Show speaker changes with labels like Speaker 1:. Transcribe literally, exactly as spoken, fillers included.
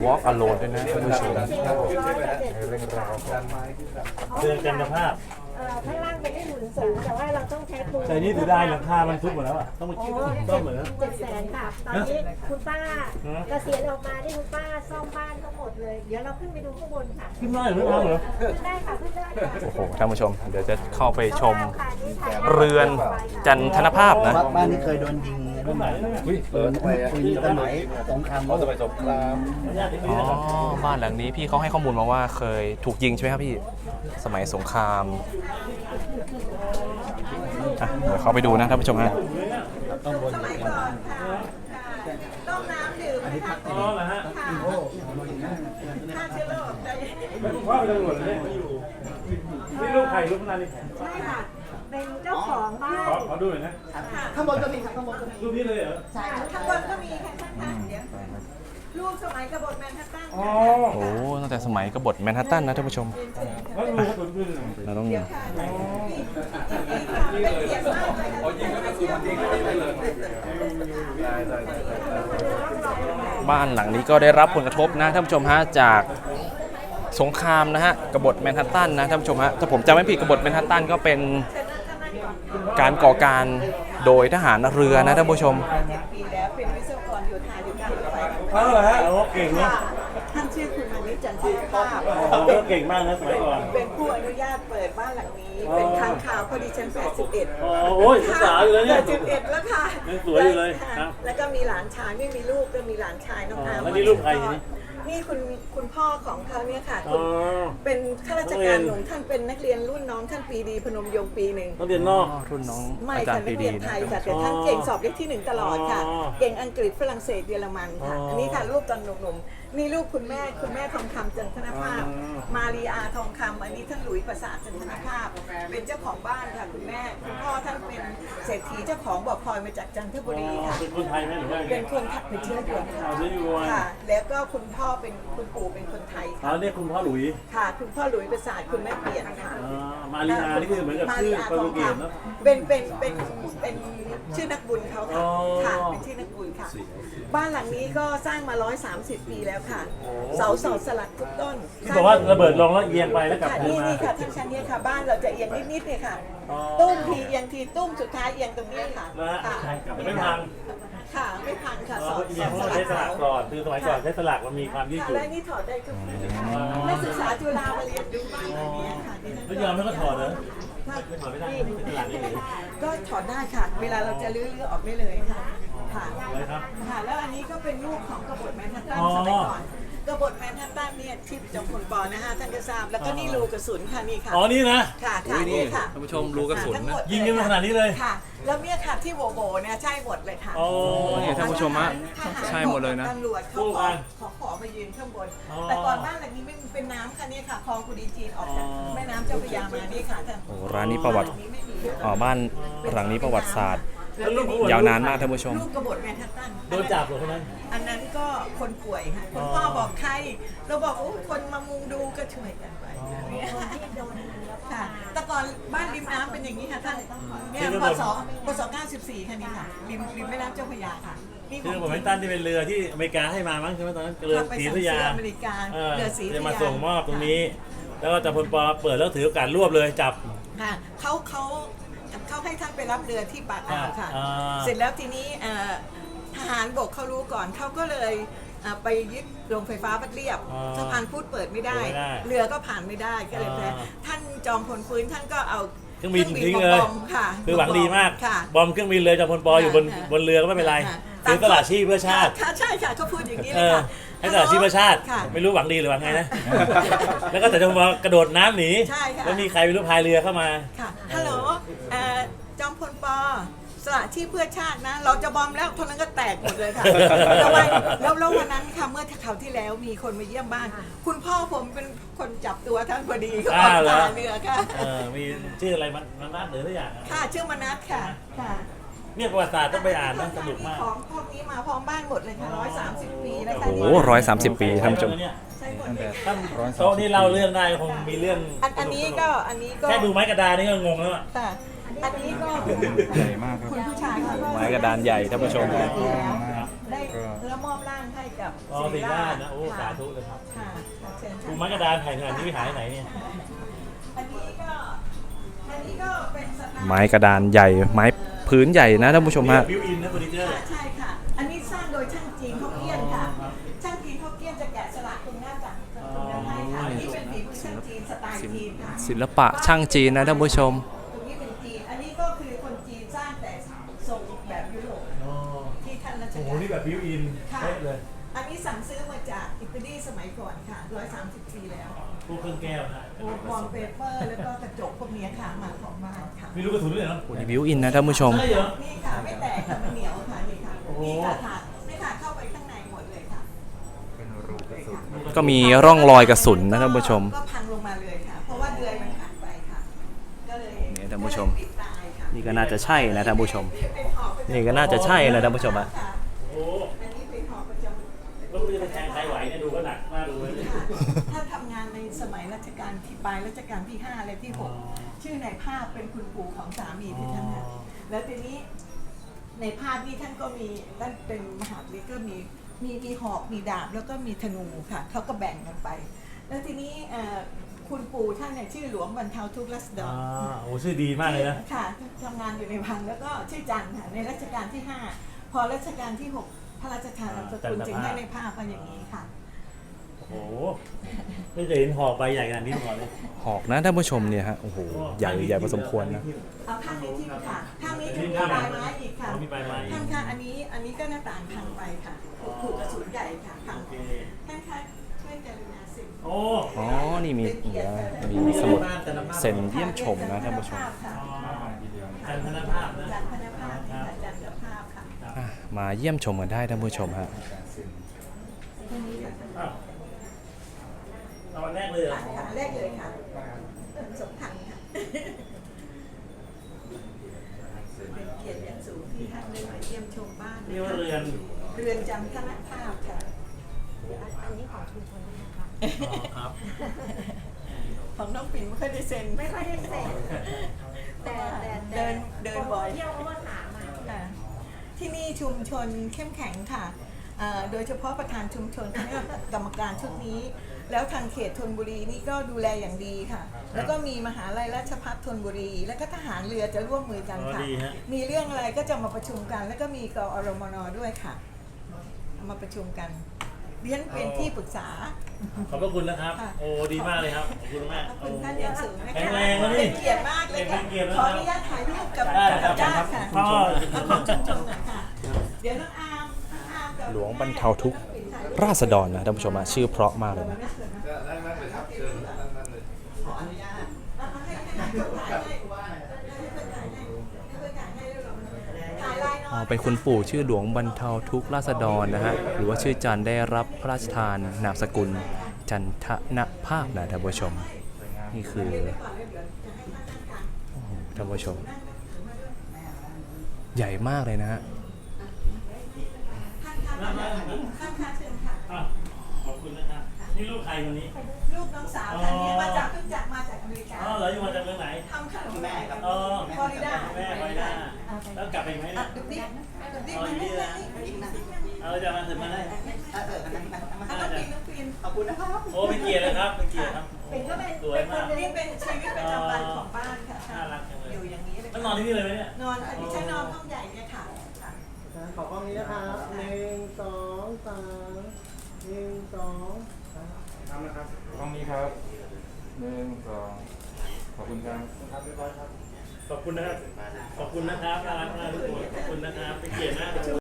Speaker 1: Walk Alone ด้วยนะท่านผู้ชมเรื่องราวเรื่องจันทภาพ
Speaker 2: ข้างล่างเป็นได้หมุนสูงแต่ว่าเราต้องใช้ปูน
Speaker 1: แต่นี่ถือได้หลังคามันทุบหมดแล้วอ่ะต้องมาคิดต้มเหมือน
Speaker 2: เจ็ดแสนค่ะตอนนี้คุณป้าเกษียณออกมาที่คุณป้าซ่อมบ้านทั้งหมดเลยเดี๋ยวเราขึ้นไปดูข้างบนค่ะ
Speaker 1: ขึ้นได้หรือไม่เหรอ
Speaker 2: ขึ้นได้ค่ะขึ้นได้โอ้โห
Speaker 1: ท่านผู้ชมเดี๋ยวจะเข้าไปชมเรือนจันทนภาพนะ
Speaker 3: บ้านนี้เคยโดนยิงรุ่นไหนอุ้ยเปิดไปปืนสมัยสงครามเขาสมัยสงคราม
Speaker 1: อ๋อบ้านหลังนี้พี่เขาให้ข้อมูลมาว่าเคยถูกยิงใช่ไหมครับพี่สมัยสงครามเดี๋ยวเข้าไปดูนะท่านผู้ชมฮะ
Speaker 3: ต้องบน
Speaker 2: สมัยก่อนค่ะต้มน้ำดื่มค่ะอ๋อเหรอฮะฆ่าเชื้อโรคได้
Speaker 1: คุณพ่อเป็นตำรวจเลยไม่อยู่นี่ลูกใครลูกนานนี่
Speaker 2: ใช่ค่ะเป็นเจ้าของบ้าน
Speaker 1: ขอดูหน่อยนะ
Speaker 3: ข้างบนก็มีครับข้างบนก็มี
Speaker 1: รูปนี้เลยเหรอ
Speaker 2: ใช่ข้างบนก็มีค่ะข้างๆเดี๋ยวรูปสมัยกบฏแมนฮัตตัน
Speaker 1: โอ้ตั้งแต่สมัยกบฏแมนฮัตตันนะท่านผู้ชมเราต้องบ้านหลังนี้ก็ได้รับผลกระทบนะท่านผู้ชมฮะจากสงครามนะฮะกบฏแมนฮัตตันนะท่านผู้ชมฮะถ้าผมจำไม่ผิดกบฏแมนฮัตตันก็เป็นการก่อการโดยทหารเรือนะท่านผู้ชม
Speaker 2: ปีแล้วเป็นวิศวกรโยธาอยู่การรถไฟ
Speaker 1: อ้าวเหรอฮะโอ้เก่งเนาะ
Speaker 2: ท่านชื่อคุณมานิจันทร์ภาพ
Speaker 1: เก่งมากนะสมัยก่อน
Speaker 2: เป็นผู้อนุญาตเปิดบ้านหลังนี้เป็นทางข่าวพอดีชั้นแปดสิบเอ็ด
Speaker 1: โอ้ยสาวอยู่แล้วเนี่ย
Speaker 2: แปดสิบเอ็ดแล้วค่ะ
Speaker 1: สวยอยู่เลย
Speaker 2: แล้วก็มีหลานชายไม่มีลูกก็มีหลานชายน้องอาร์ม
Speaker 1: แล้วนี่ลูกใครนี่
Speaker 2: นี่คุณคุณพ่อของเขาเนี่ยค่ะเป็นข้าราชการหนุ่มท่านเป็นนักเรียนรุ่นน้องท่านปีดีพนมยงค์ปีหนึ่ง
Speaker 1: นักเรียนนอกรุ่นน้อง
Speaker 2: ไม่ค่ะนักเรียนไทยค่ะแต่ท่านเก่งสอบได้ที่หนึ่งตลอดค่ะเก่งอังกฤษฝรั่งเศสเยอรมันค่ะอันนี้ค่ะรูปตอนหนุ่มๆนี่ลูกคุณแม่คุณแม่ทองคำจันทนภาพมารีอาทองคำอันนี้ท่านหลุยส์ประสาทจันทนภาพเป็นเจ้าของบ้านค่ะคุณแม่คุณพ่อท่านเป็นเศรษฐีเจ้าของบ่อพลอยมาจากจันทบุรีค่ะ
Speaker 1: เป็นคนไทยไหมหรือว่า
Speaker 2: เป็นคนเป็นเชื้อเดือนค่ะแล้วก็คุณพ่อเป็นคุณปู่เป็นคนไทยค่ะ
Speaker 1: อ๋อเนี่ยคุณพ่อหลุย
Speaker 2: ค่ะคุณพ่อหลุยประสาทคุณแม่เปลี่ยนค่ะ
Speaker 1: มารีอานี่คือเหมือนกับชื่อโปรตุเกสเนาะ
Speaker 2: เป็นเป็นเป็นเป็นชื่อนักบุญเขาค่ะค่ะเป็นชื่อนักบุญค่ะบ้านหลังนี้ก็สร้างมาหนึ่งร้อยสามสิบปีแล้วค่ะเสาเสาสลักทุกต้น
Speaker 1: ที่บอกว่าระเบิดลงแล้วเอียงไปแล้วกลับ
Speaker 2: มานี่ค่ะทั้งชั้นนี้ค่ะบ้านเราจะเอียงนิดๆเนี่ยค่ะตุ้มทีเอียงทีตุ้มสุดท้ายเอียงตรงนี้ค่ะ
Speaker 1: ค่ะไม่พัง
Speaker 2: ค่ะไม่พังค่ะ
Speaker 1: สอนสอนใช้สลักก่อนคือสมัยก่อนใช้สลักมันมีความยืดหยุ่น
Speaker 2: และนี่ถอดได้ทุกปีนักศึกษาจุฬามาเรียนดูบ้านแบบนี้ค่ะ
Speaker 1: แล้วยอมให้เขาถอดเหรอไม่ถอดไม่ได้เป็นสลักนี่
Speaker 2: ก็ถอดได้ค่ะเวลาเราจะลื้อๆออกได้เลยค่ะค่ะค่ะแล้วอันนี้ก็เป็นรูปของกบฏแมนฮัตตันสมัยก่อนกบฏแมนฮัตตันเนี่ยที่จอมพลป.นะฮะท่านก็ทราบแล้วก็นี่รูกระสุนค่ะนี่ค่ะ
Speaker 1: อ๋อนี่นะ
Speaker 2: ค่ะค่ะนี่ค่ะ
Speaker 1: ท่านผู้ชมรูกระสุนนะยิงกันขนาดนี้เลย
Speaker 2: ค่ะแล้วเนี่ยค่ะที่โบโบเนี่ยใช่หมดเลยค่ะ
Speaker 1: โอ้เนี่ยท่านผู้ชมฮะใช่หมดเลยนะ
Speaker 2: ตำรวจเขาขอขอขอมายืนข้างบนแต่ก่อนบ้านหลังนี้ไม่เป็นน้ำค่ะนี่ค่ะคลองกุดีจีนออกจากแม่น้ำเจ้าพระยามานี่ค่ะท่าน
Speaker 1: โอ้ร้านนี้ประวัติอ๋อบ้านหลังนี้ประวัติศาสตร์ยาวนานมากท่านผู้ชม
Speaker 2: ลูกกบฏแมนฮัตตัน
Speaker 1: โดนจับเหรอคนนั้น
Speaker 2: อันนั้นก็คนป่วยค่ะคุณพ่อบอกใครเราบอกโอ้คนมามุงดูก็ช่วยกันไปค่ะแต่ก่อนบ้านริมน้ำเป็นอย่างนี้ค่ะท่านเนี่ยพศพศเก้าสิบสี่ค่ะนี่ค่ะริมริมแม่น้ำเจ้าพระยาค่ะ
Speaker 1: คือผมไม่ตั้นที่เป็นเรือที่อเมริกาให้มามั้งใช่ไหมตอนนั้นเรือศรีพระยา
Speaker 2: อเมริกาเรือศรีพระยา
Speaker 1: จะมาส่งมอบตรงนี้แล้วก็จะพลปอเปิดแล้วถือโอกาสรวบเลยจับ
Speaker 2: ค่ะเขาเขาเขาให้ท่านไปรับเรือที่ปากอ่าวค่ะเสร็จแล้วทีนี้ทหารบกเขารู้ก่อนเขาก็เลยไปยึดโรงไฟฟ้าบัดเรียบสะพานพุทธเปิดไม่ได้เรือก็ผ่านไม่ได้ก็เลยแพ้ท่านจอมพลฟื้นท่านก็เอา
Speaker 1: เครื่องบินทิ้งเลยคือหวังดีมากบอมเครื่องบินเลยจอมพลปออยู่บนบนเรือก็ไม่เป็นไรซื้อตลาดชีพเพื่อชาติ
Speaker 2: ใช่ค่ะเขาพูดอย่างนี้เลยค่ะ
Speaker 1: ให้ตลาดชีพเพื่อชาติไม่รู้หวังดีหรือหวังไงนะแล้วก็แต่จอมพลกระโดดน้ำหนีแล้วมีใครไม่รู้พายเรือเข้ามา
Speaker 2: ค่ะฮัลโหลจอมพลปอสละที่เพื่อชาตินะเราจะบอมแล้วเท่านั้นก็แตกหมดเลยค่ะแล้วแล้ววันนั้นค่ะเมื่อคราวที่แล้วมีคนมาเยี่ยมบ้านคุณพ่อผมเป็นคนจับตัวท่านพอดีเขาออกตาเรือค่ะ
Speaker 1: มีชื่ออะไรมันมนัสหรือทุกอย่าง
Speaker 2: ค่ะชื่อมนัสค่ะค่ะ
Speaker 1: เนี่ยประวัติศาสตร์ต้องไปอ่านนะสนุกมาก
Speaker 2: ของพวกนี้มาพร้อมบ้านหมดเลยค่ะร้อยสามสิบปีแล้วค่ะ
Speaker 1: โอ้ร้อยสามสิบปีท่านผู้ชมท่านโต๊ะที่เราเรื่องได้คงมีเรื่อง
Speaker 2: อันนี้ก็อันนี้ก็
Speaker 1: แค่ดูไม้กระดานนี่ก็งงแล้วอ่ะ
Speaker 2: อันนี้ก็
Speaker 3: ใหญ่มากครับ
Speaker 2: คุณผู้ชาย
Speaker 1: ไม้กระดานใหญ่ท่านผู้ชม
Speaker 2: ได้แล้วมอบร่างให้กับ
Speaker 4: อ๋อ
Speaker 2: ศิ
Speaker 4: ศิ
Speaker 2: ริ
Speaker 4: ริ
Speaker 2: รา
Speaker 4: รา
Speaker 2: ช
Speaker 4: ชนะโอ้สาธุเลยครับ
Speaker 2: ค่ะค่ะเชิญ
Speaker 4: ภู
Speaker 2: ค่ะ
Speaker 4: ไม้กระดานแผ่นขนาดนี้ไปหายไหนเนี่ย
Speaker 2: อันนี้ก็อันนี้ก็เป็นสไตล์
Speaker 1: ไม้กระดานใหญ่ไม้พื้นใหญ่นะท่านผู้ชมฮะ
Speaker 4: บิวอินนะเฟอร์นิเจอร์
Speaker 2: ค่ะใช่ค่ะ อันนี้สร้างโดยช่างจีนฮกเกี้ยนค่ะ ช่างจีนฮกเกี้ยนจะแกะสลักตรงหน้าจักรตรงนั้นให้ค่ะอันนี้เป็นฝีมือช่างจีนสไตล์จีนค่ะ
Speaker 1: ศิลปะช่างจีนนะท่านผู้ชม
Speaker 2: ตรงนี้เป็นจีน อันนี้ก็คือคนจีนสร้างแต่ทรงแบบยุโรป
Speaker 4: อ๋อ
Speaker 2: ที่ท่านรัช
Speaker 4: โอ้โห
Speaker 2: กาล
Speaker 4: นี่แบบบิวอิน
Speaker 2: ค่ะ
Speaker 4: เป๊ะเลย
Speaker 2: อันนี้สั่งซื้อมาจากอิตาลีสมัยก่อนค่ะร้อยสามสิบปีแล้ว
Speaker 4: พวกเครื่องแก้วนะ
Speaker 2: โอ้วอลเปเปอร์แล้วก็กระจกพวกเนี้ยค่ะมาของบ้านค่ะ
Speaker 4: มีลูกกระสุนด้วยเหรอ
Speaker 1: นี่บิวอินนะท่านผู้ชม
Speaker 4: ใช่เหรอ
Speaker 2: นี่ค่ะไม่แตกค่ะมันเหนียวค่ะนี่ค่ะ
Speaker 4: โอ้โห
Speaker 2: นี่ค่ะถาดนี่ค่ะเข้าไปข้างในหมดเลยค่ะ
Speaker 1: ก็มีร่องรอยกระสุนนะท่านผู้ชม
Speaker 2: ก็พังลงมาเลยค่ะ เพราะว่าเดือยมันขาดไปค่ะ ก็เลย
Speaker 1: นี่ท่านผู้ชม
Speaker 2: ก็เลยปิดตายค่ะ
Speaker 1: นี่ก็น่าจะใช่นะท่านผู้ชม
Speaker 2: เป็นหอบประจำ
Speaker 1: นี่ก็น่าจะใช่นะท่านผู้ชมอะ
Speaker 2: ค่ะ
Speaker 4: โอ้
Speaker 2: อันนี้เป็นหอบประจำ
Speaker 4: แล้วมันจะไปแทงใครไหวเนี่ยดูก็หนักมากดูเลย
Speaker 2: ท่านทำงานในสมัยรัชกาลที่ปลายรัชกาลที่ห้าและที่หกชื่อในภาพเป็นคุณปู่ของสามีที่ท่านนะแล้วทีนี้ในภาพนี้ท่านก็มีท่านเป็นมหาวิทยาก็มีมีมีหอกมีดาบแล้วก็มีธนูค่ะเขาก็แบ่งกันไป แล้วทีนี้เอ่อคุณปู่ท่านเนี่ยชื่อหลวงบรรเทาทุกข์รัศด
Speaker 4: อ่าร โอ้ชื่อดีมากเลยนะ
Speaker 2: ค่ะทำงานอยู่ในวังแล้วก็ชื่อจันทร์ค่ะในรัชกาลที่ห้าพอรัชกาลที่หกพระราชทานนามสกุลจึงให้ในภาพมาอย่างนี้ค่ะ
Speaker 4: โอ้โหไม่เคยเห็นหอกใบใหญ่ขนาดนี้มาก่อนเลย
Speaker 1: หอกนะท่านผู้ชมเนี่ยฮะ โอ้โห ใหญ่ใหญ่พอสมควรนะ
Speaker 2: เอาข้างนี้ที่ค่ะข้างนี้จะมีปลายไม้อีกค่ะ
Speaker 4: อ๋อมีปลายไม้อีก
Speaker 2: ข้างค่ะอันนี้อันนี้ก็หน้าต่างพังไปค่ะถูกกระสุนใหญ่ค่ะพัง
Speaker 4: โอเค
Speaker 2: ท่านคะช่วยกรุณาสิ
Speaker 4: โอ้
Speaker 1: อ๋อ นี่มีเดี๋ยวมีสมุดเซ็นเยี่ยมชมนะท่านผู้ชม
Speaker 2: ค่ะ
Speaker 4: จันทนภาพนะ
Speaker 2: จันทนภาพนี่ค่ะจันทภาพค่ะ
Speaker 1: อ่ะมาเยี่ยมชมกันได้ท่านผู้ชมฮะ
Speaker 2: ตรงนี้ค่ะ
Speaker 4: อ้าวเอาอันแรกเลยเหรอ
Speaker 2: ค่ะแรกเลยค่ะสมทันค่ะเป็นเกียรติอย่างสูงที่ท่านได้มาเยี่ยมชมบ้าน
Speaker 4: นี่ว่าเรือน
Speaker 2: เรือนจำคณะภาพค่ะ
Speaker 5: อันนี้ของชุมชนนะคะ
Speaker 4: อ๋อครับ
Speaker 2: ของน้องปิ่นไม่ค่อยได้เซ็น
Speaker 5: ไม่ค่อยได้เซ็น แต่แต่แต่
Speaker 2: เดินเดินบ่อย
Speaker 5: เที่ยวเพราะว่าถามอ่ะ
Speaker 2: ค่ะที่นี่ชุมชนเข้มแข็งค่ะเอ่อโดยเฉพาะประธานชุมชนคณะกรรมการชุดนี้ แล้วทางเขตธนบุรีนี่ก็ดูแลอย่างดีค่ะ แล้วก็มีมหาลัยราชภัฏธนบุรี แล้วก็ทหารเรือจะร่วมมือกันค่ะ
Speaker 4: อ๋อดีฮะ
Speaker 2: มีเรื่องอะไรก็จะมาประชุมกัน แล้วก็มีกอรมนด้วยค่ะเอามาประชุมกันเรียนเป็นที่ปรึกษา
Speaker 4: ขอบพระคุณนะครับ
Speaker 2: ค่ะ
Speaker 4: โอ้ดีมากเลยครับ ขอบคุณมาก
Speaker 2: ขอบ
Speaker 4: โอ้
Speaker 2: คุณท่านอย่างสูงนะคะ
Speaker 4: แข็งแรงนะนี่
Speaker 2: เป็นเกียรติมากเลยค่ะ
Speaker 4: เป็นเกียรตินะ
Speaker 2: ขออนุญาตถ่ายรูปกับ
Speaker 4: ได้ครั
Speaker 2: กับบ ญาติค่ะ
Speaker 4: พ่อ
Speaker 2: เอาของชุมชนหน่อยค่ะ เดี๋ยวน้องอาร์มน้องอาร์มกับ
Speaker 1: หลวงบรรเทาทุกข์ราษฎรนะท่านผู้ชมฮะชื่อเพราะมากเลยนะ
Speaker 2: ขออนุญาตเอาให้ให้ให้คนถ่ายให้ให้คนถ่ายให้ให้คนถ่ายให้เร็วๆถ่ายลายน้
Speaker 1: อ๋
Speaker 2: อ
Speaker 1: อย เป็นคุณปู่ชื่อหลวงบรรเทาทุกข์ราษฎรนะฮะ หรือว่าชื่อจันได้รับพระราชทานนามสกุลจันทนภาพนะท่านผู้ชม นี่คือ
Speaker 2: เดี๋ยวก่อนเดี๋ยวเดี๋ยวจะให้ท่านนั่งกัน
Speaker 1: ท่านผู้ชม ใหญ่มากเลยนะฮะ
Speaker 2: ท่านคะท่านคะเชิญค่ะ
Speaker 4: อ่ะขอบคุณนะครับ นี่ลูกใครคนนี้
Speaker 2: ลูกน้องสาวท่านนี้มาจากเพิ่งจากมาจากอเมริกา
Speaker 4: อ๋อเหรออยู่มาจากเมืองไหน
Speaker 2: ทำขนมแม่ครับ
Speaker 4: อ๋อ
Speaker 2: ฟลอริดา
Speaker 4: แม่ฟลอริดาแล้วกลับไปไหม
Speaker 2: อ่ะ
Speaker 4: เนี่ย
Speaker 2: ดูดิดูดิมานี่มานี่มานี่มานี่
Speaker 4: เอาจะมาถึงมาได้
Speaker 2: อ่ะน้องปีนน้องปีนขอบคุณนะครับ
Speaker 4: โอ้เป็นเกียรติเลยครับ เป็นเกียรติครับ
Speaker 2: เป็นก็เป็น
Speaker 4: สวยมาก
Speaker 2: นี่เป็นชีวิตประจำวันของบ้านค่ะ
Speaker 4: น่ารักจังเลย
Speaker 2: อยู่อย่างนี้เลย
Speaker 4: แล้วนอนที่นี่เลยไหมเนี่ย
Speaker 2: นอนค่ะดิฉันนอนห้องใหญ่เนี่ยค่ะค่ะ
Speaker 3: ขอกล้องนี้นะครับหนึ่งสองสามหนึ่งสองสาม
Speaker 6: ทำนะครับกล้องนี้ครับหนึ่งสองขอบคุณครับ
Speaker 3: ครับเรียบร้อยครับ
Speaker 4: ขอบคุณนะครับ ขอบคุณนะครับน่ารักมากทุกคนขอบคุณนะครับ เป็นเกียรติมาก